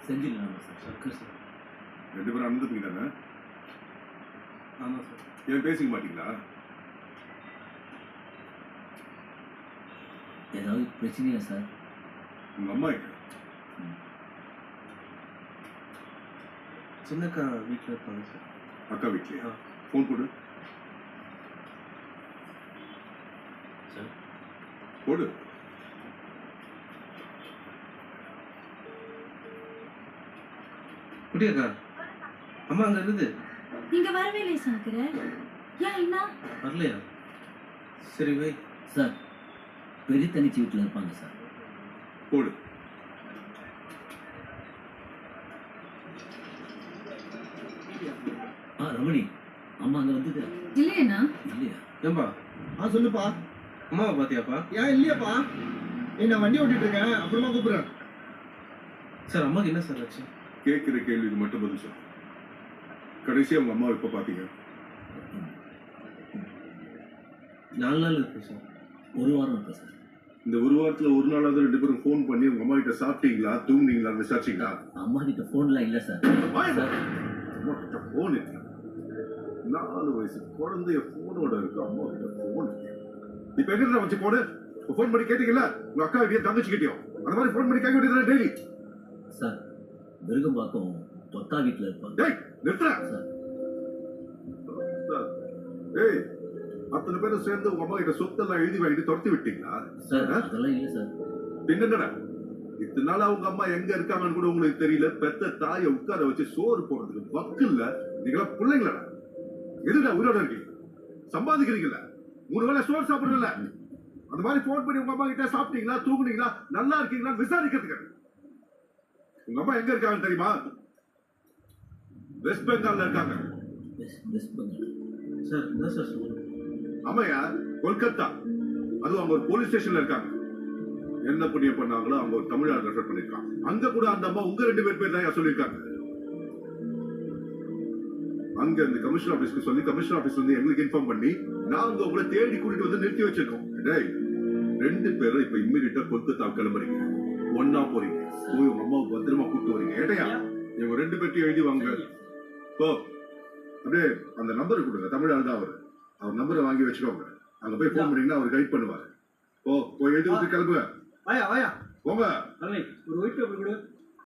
செஞ்சிடலாம் sir. Okay sir. 2 பேரும் அண்ணன் தம்பி தானே? ஆமாம் சார். ஏன் பேசிக்க மாட்டீங்களா? ஏதாவது பிரச்சனையா சார்? உங்கள் அம்மா எங்க? சின்னக்கா வீட்டில் இருப்பாங்க சார். அக்கா வீட்லையா? ஃபோன் போடு. சார் போடு. குட்டியக்கா அம்மா அங்கே இருக்குது. நீங்க வரவே இல்லை சங்கர. ஏன் என்ன? வரலையா? சரி வை. சார் பெரிய தங்கச்சி வீட்டில் இருப்பாங்க சார். போடு. ரமணி அம்மா அங்கே வந்தது இல்லையண்ணா. இல்லையா? ஏன்பா? சொல்லுப்பா. அம்மாவை பார்த்தியாப்பா? ஏன் இல்லையாப்பா? நான் வண்டி ஓட்டிட்டு இருக்கேன், அப்புறமா கூப்பிடுறேன். சார் அம்மாவுக்கு என்ன சார் ஆச்சு? கேட்குற கேள்விக்கு மட்டும் பதில் சொல்லு. கடைசியாக உங்கள் அம்மாவை எப்போ பார்த்தீங்க? 4 நாள் இருக்கு சார். 1 வாரம் இருக்கு சார். இந்த 1 வாரத்தில் ஒரு நாளாவது 2 பேரும் ஃபோன் பண்ணி உங்கள் அம்மா கிட்ட சாப்பிட்டீங்களா, தூங்குனீங்களான்னு விசாரிச்சிங்களா? அம்மா கிட்ட ஃபோன்லாம் இல்லை சார். சார் அம்மா கிட்ட ஃபோன் இருக்கு. 4 வயசு குழந்தைய ஃபோனோட இருக்கு, அம்மா கிட்ட ஃபோன் இருக்கு. இப்போ எங்கிட்ட வச்சு போடு. ஃபோன் பண்ணி கேட்டீங்களா? உங்கள் அக்கா கிட்டே தங்கச்சி கிட்டேயும் அந்த மாதிரி ஃபோன் பண்ணி கேட்க வேண்டியது டெய்லி. சார் விருகம்பாக்கம் தொத்தா வீட்டில் இருப்பாங்க. டேய் நிறுத்துறா சார். ஏய், அத்தனை பேரும் சேர்ந்து உங்க அம்மா கிட்ட சொத்தெல்லாம் எழுதி வாங்கிட்டு துரத்தி விட்டீங்களா? சார் அதெல்லாம் இல்லை சார். பின்னடா இத்தனை நாளா உங்க அம்மா எங்க இருக்காங்கன்னு கூட உங்களுக்கு தெரியல. பெத்த தாயை உட்கார வச்சு சோறு போடுறதுக்கு வக்கு இல்ல. நீங்களா பிள்ளைங்களா? எதுடா உயிரோட இருக்கீங்க? சம்பாதிக்கிறீங்கல்ல, 3 வேளை சோறு சாப்பிடுறல. அந்த மாதிரி போன் பண்ணி உங்க அம்மா கிட்ட சாப்பிட்டீங்களா, தூங்குனீங்களா, நல்லா இருக்கீங்களா விசாரிக்கிறதுக்கு. உங்க அம்மா எங்க இருக்காங்கன்னு தெரியுமா? வெஸ்ட் பெங்கால்ல இருக்காங்க. வெஸ்ட் பெங்கால் சார் என்ன சார் சொல்லுங்க? ஆமாயா, கொல்கத்தா. அதுவும் அவங்க ஒரு போலீஸ் ஸ்டேஷன்ல இருக்காங்க. என்ன புண்ணியம் பண்ணாங்களோ அவங்க ஒரு தமிழ்நாடு ரெஃபர் பண்ணிருக்காங்க. அங்க கூட அந்த அம்மா உங்க 2 பேர் தான் சொல்லியிருக்காங்க. அங்க இந்த கமிஷனர் ஆபீஸ்க்கு சொல்லி கமிஷனர் ஆபீஸ் வந்து எங்களுக்கு இன்ஃபார்ம் பண்ணி நாங்க உங்களை தேடி கூட்டிட்டு வந்து நிறுத்தி வச்சிருக்கோம். டேய் 2 பேரும் இப்ப இம்மிடியா கொல்கத்தா கிளம்புறீங்க. ஒன்னா போறீங்க. போய் உங்க அம்மாவுக்கு பத்திரமா கூப்பிட்டு வரீங்க. ஏட்டையா இவங்க 2 பேர்த்தையும் எழுதி வாங்க. போ அப்படியே அந்த நம்பர் கொடுங்க. தமிழ்நாடு தான் அவர் நம்பரை வாங்கி வச்சுக்கோங்க. அங்க போய் போன் பண்ணீங்கன்னா அவர் கைட் பண்ணுவாரு. போய் எழுதி வச்சு கிளம்புங்க. வாயா வாயா போங்க. ஒரு ஒயிட் பேப்பர் கொடு.